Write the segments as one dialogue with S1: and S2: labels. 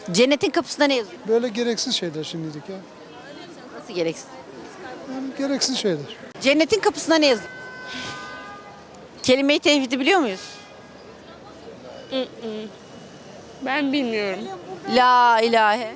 S1: Cennetin kapısında ne yazıyor?
S2: Böyle gereksiz şeyler şimdilik ya.
S1: Nasıl gereksiz?
S2: Yani gereksiz şeyler.
S1: Cennetin kapısında ne yazıyor? Kelime-i tevhidi biliyor muyuz?
S3: Ben bilmiyorum.
S1: La ilahe.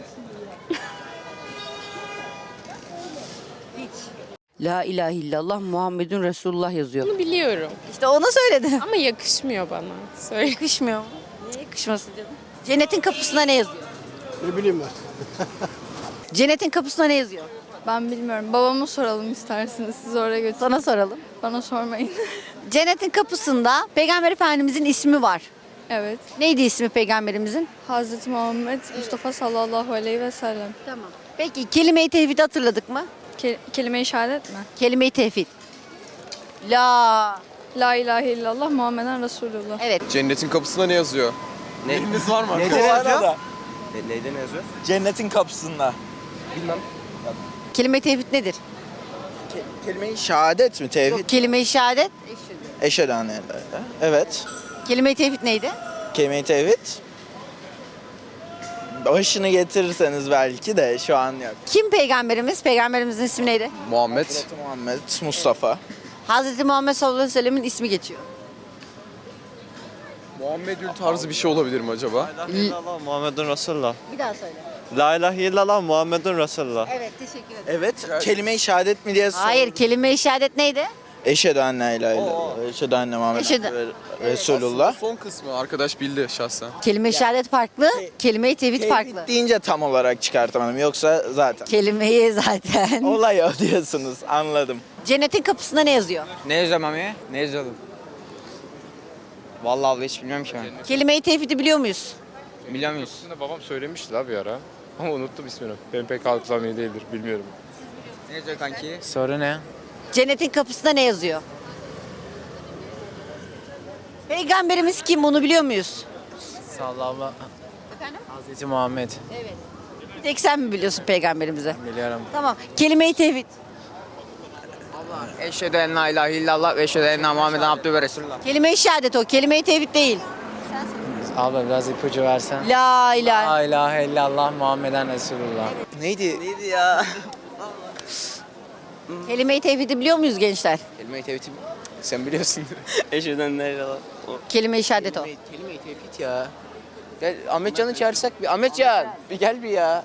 S1: La ilahe illallah Muhammedun Resulullah yazıyor.
S3: Bunu biliyorum.
S1: İşte onu söyledim.
S3: Ama yakışmıyor bana. Söyle.
S1: Yakışmıyor mu? Niye yakışmasın canım? Cennetin kapısında ne yazıyor?
S2: Ne bileyim ben.
S1: Cennetin kapısında ne yazıyor?
S4: Ben bilmiyorum. Babama soralım isterseniz. Siz oraya götürün.
S1: Sana soralım.
S4: Bana sormayın.
S1: Cennetin kapısında Peygamber Efendimizin ismi var.
S4: Evet.
S1: Neydi ismi Peygamberimizin?
S4: Hazreti Muhammed Mustafa sallallahu aleyhi ve sellem.
S1: Tamam. Peki kelime-i tevhidi hatırladık mı?
S4: Kelime-i şehadet mi?
S1: Kelime-i tevhid. La.
S4: La ilahe illallah Muhammeden Resulullah.
S1: Evet.
S5: Cennetin kapısında ne yazıyor? Eliniz var mı?
S6: Neyde yazıyor? Neyde ne yazıyor? Cennetin kapısında.
S5: Bilmem.
S1: Kelime-i tevhid nedir?
S6: Kelime-i şehadet mi? Tevhid.
S1: Kelime-i şehadet.
S6: Eşhedü en la ilahe. Evet.
S1: Kelime-i tevhid neydi?
S6: Kelime-i tevhid. Başını getirirseniz belki de şu an yok.
S1: Kim peygamberimiz? Peygamberimizin ismi neydi?
S5: Muhammed.
S6: Hazreti Muhammed Mustafa.
S1: Hazreti Muhammed sallallahu aleyhi ve sellemin ismi geçiyor.
S5: Muhammedül tarzı bir şey olabilir mi acaba?
S7: La ilahe illallah Muhammedun Resulullah.
S1: Bir daha söyle.
S7: La ilahe illallah Muhammedun Resulullah.
S1: Evet, teşekkür ederim.
S6: Evet. Kelime-i şehadet mi diye sordum.
S1: Hayır, kelime-i şehadet neydi?
S6: Eşhedü en la ilahe illallah. Eşhedü enne Muhammeden
S1: Eşhedü-
S6: Resulullah.
S5: Son kısmı arkadaş bildi şahsen.
S1: Kelime-i şehadet farklı, kelime-i tevhid
S6: Tevhid
S1: farklı.
S6: deyince tam olarak çıkartamadım. Yoksa zaten.
S1: Kelimeyi zaten.
S6: Olay o diyorsunuz. Anladım.
S1: Cennetin kapısında ne yazıyor?
S8: Ne yazıyor Mami? Ne yazıyordum? Vallahi abla hiç bilmiyorum ki ben.
S1: Kelime-i tevhidi biliyor muyuz?
S8: Biliyor muyuz?
S9: Aslında babam söylemişti la bir ara. Ama unuttum ismini. Benim pek hafızam iyi değildir, bilmiyorum.
S8: Ne yazıyor kanki?
S7: Soru ne?
S1: Cennetin kapısında ne yazıyor? Peygamberimiz kim, bunu biliyor muyuz?
S7: Sallallahu Hazreti Muhammed.
S1: Bir tek sen mi biliyorsun peygamberimizi?
S7: Biliyorum.
S1: Tamam. Kelime-i tevhid.
S8: Eşhedü en la ilahe illallah ve eşhedü enne Muhammeden abdühü ve resulullah.
S1: Kelime-i şehadet o. Kelime-i tevhid değil.
S7: Abla biraz ipucu versen.
S1: La ilahe.
S7: La ilahe illallah Muhammeden Resulullah.
S6: Neydi? Neydi ya?
S1: Kelime-i tevhidi biliyor muyuz gençler?
S5: Kelime-i tevhid sen biliyorsun.
S8: Eşhedü en la ilahe
S1: Kelime-i şehadet o.
S8: Kelime-i tevhid ya. Gel Ahmetcan'ı çağırsak bir. Ahmetcan bir gel bir ya.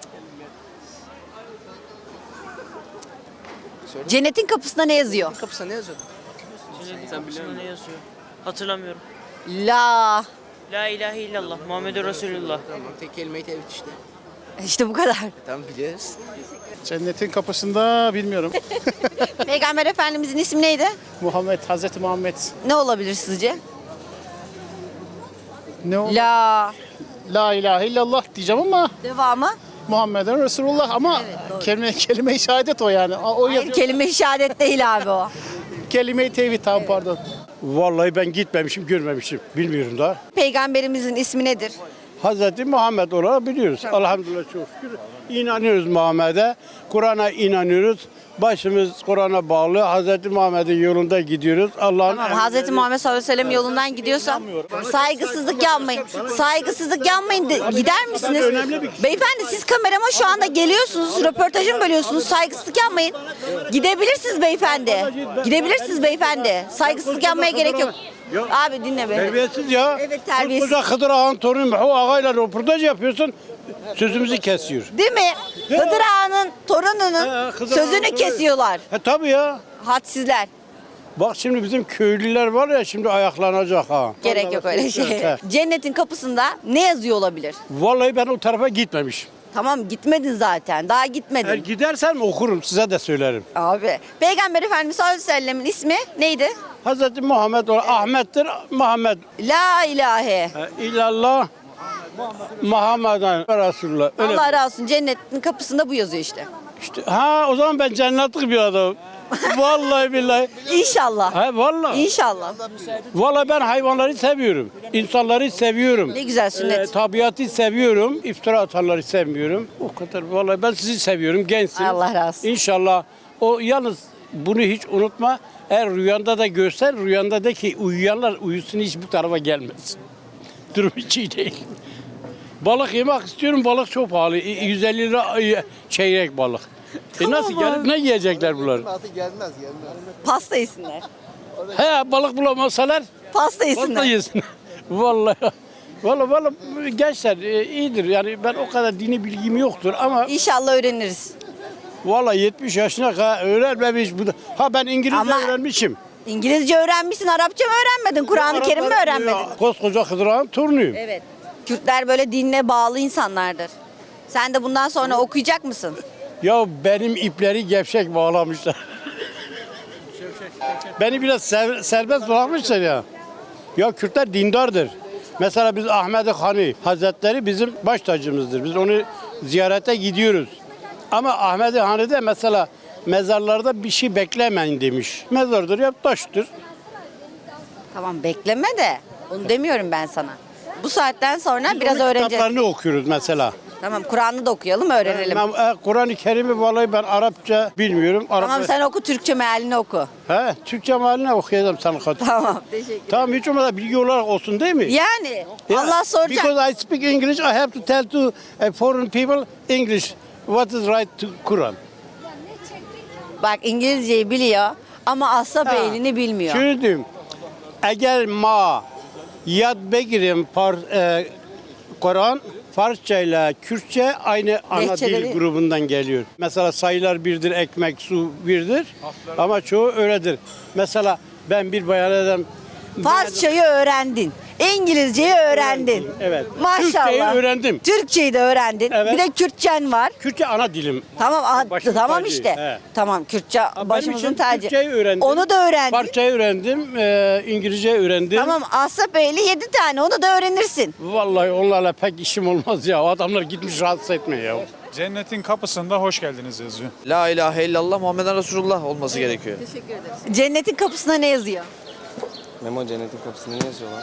S1: Cennetin kapısında ne yazıyor?
S8: Kapısına ne yazıyor?
S10: Sen biliyor musun? Ne yazıyor? Hatırlamıyorum.
S1: La.
S10: La ilahe illallah Muhammedur Resulullah.
S8: Tamam tek kelime-i tevhid işte.
S1: İşte bu kadar.
S8: Tamam biliyoruz.
S2: Cennetin kapısında bilmiyorum.
S1: Peygamber Efendimizin ismi neydi?
S2: Muhammed, Hazreti Muhammed.
S1: Ne olabilir sizce?
S2: Ne o?
S1: La.
S2: La ilahe illallah diyeceğim ama
S1: Devamı?
S2: Muhammeden Resulullah ama kelime-i şehadet o yani. O
S1: Hayır, kelime-i şehadet değil abi o.
S2: kelime-i tevhid tamam pardon.
S11: Vallahi ben gitmemişim, görmemişim. Bilmiyorum da.
S1: Peygamberimizin ismi nedir?
S11: Hazreti Muhammed olarak biliyoruz. Elhamdülillah çok şükür. İnanıyoruz Muhammed'e. Kur'an'a inanıyoruz. Başımız Kur'an'a bağlı. Hazreti Muhammed'in yolunda gidiyoruz. Allah'ın
S1: Tamam, Hazreti Muhammed sallallahu aleyhi ve sellem yolundan gidiyorsan saygısızlık yapmayın. Saygısızlık yapmayın. Gider misiniz? Beyefendi siz kamerama şu anda geliyorsunuz. Röportajımı bölüyorsunuz. Saygısızlık yapmayın. Gidebilirsiniz beyefendi. Gidebilirsiniz beyefendi. Saygısızlık yapmaya gerek yok. Abi dinle beni.
S11: Terbiyesiz ya.
S1: Evet, terbiyesiz.
S11: Koca Hıdır Ağa'nın torunu o ağayla röportaj yapıyorsun. Sözümüzü kesiyor.
S1: Değil mi? Hıdır Ağa'nın torununun
S11: Hıdır
S1: sözünü
S11: Ağa'nın
S1: kesiyorlar.
S11: Tabii ya.
S1: Hadsizler.
S11: Bak şimdi bizim köylüler var ya şimdi ayaklanacak ha.
S1: Gerek yok öyle şey. Cennetin kapısında ne yazıyor olabilir?
S11: Vallahi ben o tarafa gitmemişim.
S1: Tamam, gitmedin zaten. Daha gitmedin.
S11: Eğer gidersem okurum size de söylerim.
S1: Abi. Peygamber Efendimiz sallallahu aleyhi ve sellemin ismi neydi?
S11: Hazreti Muhammed Ahmet'tir Muhammed.
S1: La ilahe.
S11: İllallah Muhammeden Resulullah. Öyle
S1: Allah razı olsun. Cennetin kapısında bu yazıyor işte.
S11: işte. Ha o zaman ben cennetlik bir adamım. Vallahi billahi.
S1: İnşallah.
S11: Ha vallahi.
S1: İnşallah.
S11: Vallahi ben hayvanları seviyorum. İnsanları seviyorum.
S1: Ne güzel sünnet.
S11: Tabiatı seviyorum. İftira atanları sevmiyorum. O kadar. Vallahi ben sizi seviyorum. Gençsiniz.
S1: Allah razı olsun.
S11: İnşallah. O yalnız bunu hiç unutma. Eğer rüyanda da görsen rüyanda de ki uyuyanlar uyusun hiç bu tarafa gelmesin. Durum hiç iyi değil. Balık yemek istiyorum. Balık çok pahalı. 150 lira çeyrek balık. Nasıl gelip ne yiyecekler bunlar?
S1: Pasta yesinler.
S11: He balık bulamazsalar
S1: Pasta
S11: pasta
S1: yesinler.
S11: yesin. Vallahi. Vallahi gençler iyidir. Yani ben o kadar dini bilgim yoktur ama
S1: İnşallah öğreniriz.
S11: vallahi 70 yaşına kadar öğrenmemiş. Ha ben İngilizce
S1: Ama-
S11: öğrenmişim.
S1: İngilizce öğrenmişsin, Arapça mı öğrenmedin? Kur'an-ı Kerim mi öğrenmedin?
S11: Koskoca Hıdırağın torunuyum.
S1: Evet. Kürtler böyle dinle bağlı insanlardır. Sen de bundan sonra okuyacak mısın?
S11: Ya benim ipleri gevşek bağlamışlar. Beni biraz serbest bırakmışlar ya. Ya Kürtler dindardır. Mesela biz Ahmet Hani Hazretleri bizim baş tacımızdır. Biz onu ziyarete gidiyoruz. Ama Ahmet Hani'de mesela mezarlarda bir şey beklemeyin demiş. Mezardır ya taştır.
S1: Tamam bekleme de. Onu demiyorum ben sana. Bu saatten sonra
S11: Biz
S1: biraz
S11: onun
S1: öğreneceğiz.
S11: kitaplarını okuyoruz mesela.
S1: Tamam Kur'an'ı da okuyalım, öğrenelim.
S11: Kur'an-ı Kerim'i vallahi ben Arapça bilmiyorum.
S1: Tamam sen oku, Türkçe mealini oku.
S11: He, Türkçe mahaline okuyacağım sana katıl.
S1: Tamam teşekkür
S11: Tamam hiç olmazsa bilgi olarak olsun değil mi?
S1: Yani
S11: Yeah,
S1: Allah soracak.
S11: Because I speak English, I have to tell to foreign people English what is right to Quran.
S1: Bak İngilizceyi biliyor ama asla beynini bilmiyor.
S11: Şunu diyeyim. Eğer ma yad begirim Kur'an Farsça ile Kürtçe aynı ana
S1: Lehçeleri-
S11: dil grubundan geliyor. Mesela sayılar birdir, ekmek, su birdir ama çoğu öyledir. Mesela ben bir bayan edem
S1: Farsçayı öğrendin. İngilizceyi öğrendin.
S11: Evet.
S1: Maşallah.
S11: Türkçeyi öğrendim.
S1: Türkçeyi de öğrendin.
S11: Evet.
S1: Bir de Kürtçen var.
S11: Kürtçe ana dilim.
S1: Tamam
S11: Başımın
S1: tamam
S11: tacı.
S1: işte.
S11: He.
S1: Tamam Kürtçe
S11: Benim
S1: başımızın
S11: için
S1: tacı.
S11: Türkçeyi öğrendim.
S1: Onu da öğrendin.
S11: Farsçayı öğrendim, İngilizce öğrendim.
S1: Tamam Asap Beyli 7 tane onu da öğrenirsin.
S11: Vallahi onlarla pek işim olmaz ya. Adamlar gitmiş rahatsız etmiyor ya.
S9: Cennetin kapısında hoş geldiniz yazıyor.
S6: La ilahe illallah Muhammeden Resulullah olması gerekiyor.
S1: Cennetin kapısına ne yazıyor?
S5: Memo cennetin kapısında ne yazıyor lan?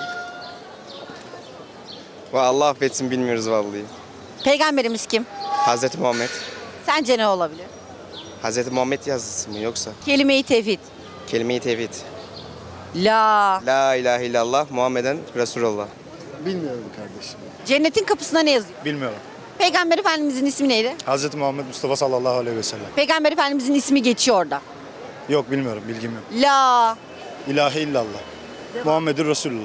S5: Allah affetsin bilmiyoruz vallahi.
S1: Peygamberimiz kim?
S5: Hazreti Muhammed.
S1: Sence ne olabilir?
S5: Hazreti Muhammed yazısı mı yoksa?
S1: Kelime-i tevhid.
S5: Kelime-i tevhid.
S1: La.
S5: La ilahe illallah Muhammeden Resulullah.
S2: Bilmiyorum kardeşim.
S1: Cennetin kapısına ne yazıyor?
S2: Bilmiyorum.
S1: Peygamber Efendimizin ismi neydi?
S2: Hazreti Muhammed Mustafa sallallahu aleyhi ve sellem.
S1: Peygamber Efendimizin ismi geçiyor orada.
S2: Yok bilmiyorum, bilgim yok.
S1: La.
S2: İlahe illallah. Muhammedur Resulullah.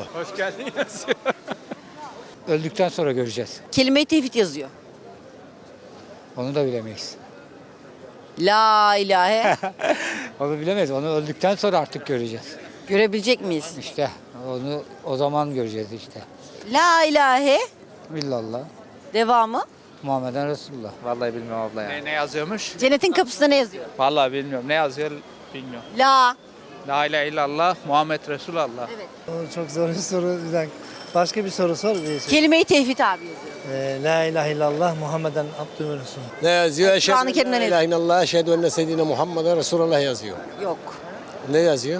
S7: Öldükten sonra göreceğiz.
S1: Kelime-i tevhid yazıyor.
S7: Onu da bilemeyiz.
S1: La ilahe.
S7: Onu bilemeyiz. Onu öldükten sonra artık göreceğiz.
S1: Görebilecek miyiz?
S7: İşte onu o zaman göreceğiz işte.
S1: La ilahe.
S7: Billallah.
S1: Devamı.
S7: Muhammeden Resulullah.
S6: Vallahi bilmiyorum abla ya.
S9: Ne yazıyormuş?
S1: Cennetin kapısına ne yazıyor?
S9: Vallahi bilmiyorum. Ne yazıyor bilmiyorum.
S1: La.
S9: La ilahe illallah Muhammed Resulullah.
S7: Çok zor bir soru. Başka bir soru sor.
S1: Kelime-i tevhid abi yazıyor.
S7: La ilahe illallah Muhammeden Abdühü Resul.
S11: Ne yazıyor?
S1: Kur'an-ı Kerim'de ne yazıyor?
S11: illallah, eşhedü enne seyyidine Muhammeden Resulullah yazıyor.
S1: Yok.
S11: Ne yazıyor?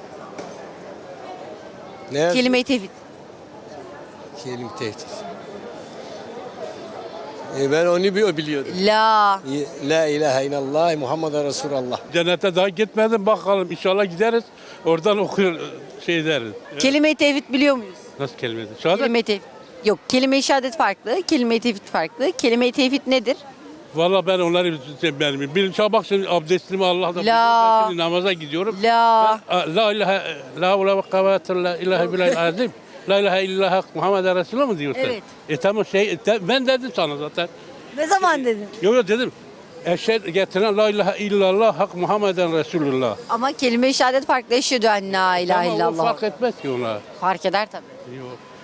S11: Ne yazıyor?
S1: Kelime-i tevhid.
S11: Kelime tehdit. Ben onu biliyordum.
S1: La.
S11: La ilahe illallah Muhammeden Resulullah.
S2: Cennete daha gitmedim bakalım. İnşallah gideriz. Oradan okur şey deriz.
S1: Kelime-i tevhid biliyor muyuz?
S2: Nasıl kelime? Şahane.
S1: Kelime-i tevhid. Yok, kelime-i şehadet farklı, kelime-i tevhid farklı. Kelime-i tevhid nedir?
S2: Valla ben onları bilmiyorum. Bir sabah şimdi abdestimi Allah'tan
S1: La.
S2: şimdi namaza gidiyorum.
S1: La.
S2: La ilahe la havle ve kuvvete illa ilahe billahil azim. La ilahe illallah Muhammeden Resulullah mı diyorsun?
S1: Evet.
S2: Tamam ben dedim sana zaten.
S1: Ne zaman dedin?
S2: Yok dedim. Eşhedü getiren la ilahe illallah hak Muhammeden Resulullah.
S1: Ama kelime-i şehadet farklı. Eşhedü en la ilahe
S2: Ama o
S1: illallah.
S2: fark etmez ki ona.
S1: Fark eder tabii.
S2: Yok.